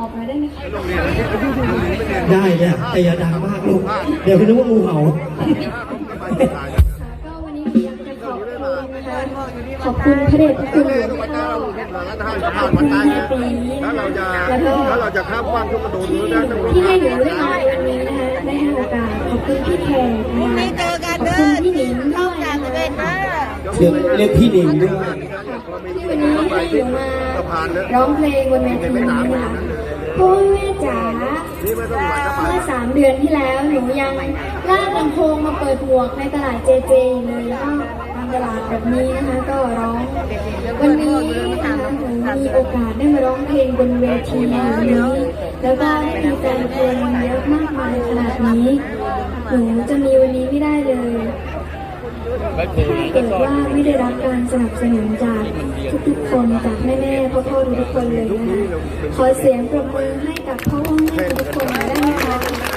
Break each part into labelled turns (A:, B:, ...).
A: อบหน่อยได้ไหมคะ
B: ได้เนี่ยแต่อย่าดังมากลูกเดี๋ยวคุณนึกว่างูเห่า
A: ก็วันนี้อยากจะขอบคุณนะคะขอบคุณพระเดชพระคุณหลวงพ่อขอบคุณแม่ปีแล้วก็
C: ถ้าเราจะข้ามว่างทุกกระโดดได้ทั้งหมด
A: ที่ให้หนูได้มาในวันนี้นะคะได้ให้โอกาสขอบคุณพี่แขกนะคะขอบคุณพี่หนิงด้วยนะคะ
B: เรียกพี่หนิงด้วย
A: ที่วันนี้ให้หนูมาร้องเพลงบนเวทีนี้นะคะพ่อแม่จ๋าเมื่อ3 เดือนที่แล้วหนูยังลากลำโพงมาเปิดหมวกในตลาดเจเจเลยแล้วก็ทำตลาดแบบนี้นะคะก็ร้องวันนี้นะคะหนูมีโอกาสได้มาร้องเพลงบนเวทีนี้แล้วก็ได้มีแฟนเพลงเยอะมากมายขนาดนี้หนูจะมีวันนี้ไม่ได้เลยถ้าเกิดว่าไม่ได้รับการสนับสนุนจากทุกๆคนจากแม่ๆพ่อๆทุกคนเลยนะคะขอเสียงปรบมือให้กับพ่อแม่ทุกคนได้ไหมคะ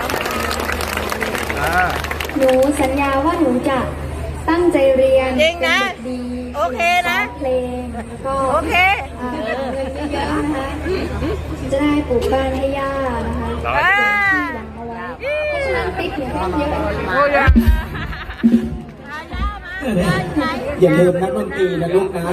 A: หนูสัญญาว่าหนูจะตั้งใจเรียน
D: จริงนะ
A: เป็นเด็กดี
D: โอเคนะ
A: เพลงแล้วก็
D: โอเค
A: เงินเยอะๆนะคะจะได้ปลูกบ้านให้ย่านะคะ
D: อ่า
A: เอาไว้เพราะฉะนั้นติ๊กเนี่ยต้องเยอะ
D: โอ้ย
B: อย่าลืมนักดนตรีนะลูกนะ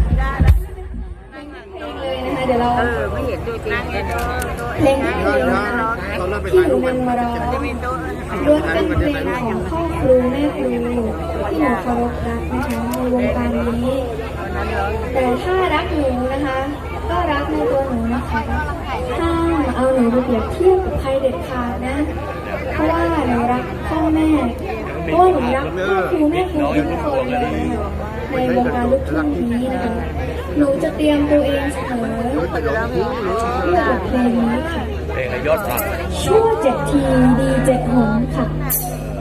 A: เลยนะคะเดี๋ยวเรา
D: ไม่เห็นตัวจริงเลย
A: เพลงที่หนึ่งนะคะที่หนูนำมาร้องล้วนเป็นเพลงของพ่อครูแม่ครูที่หนูเคารพรักนะคะในวงการนี้ แต่ถ้ารักหนูนะคะ ก็รักในตัวหนูนะคะห้ามเอาหนูไปเปรียบเทียบกับใครเด็ดขาดนะ เพราะว่าหนูรักพ่อแม่เพราะว่าหนูรักพ่อครูแม่ครูทุกคนเลยนะคะในวงการลูกทุ่งนี้นะคะหนูจะเตรียมตัวเองเสมอเพื่อบทเพลงนี้ค่ะชั่ว7 ทีดี7 หนค่ะ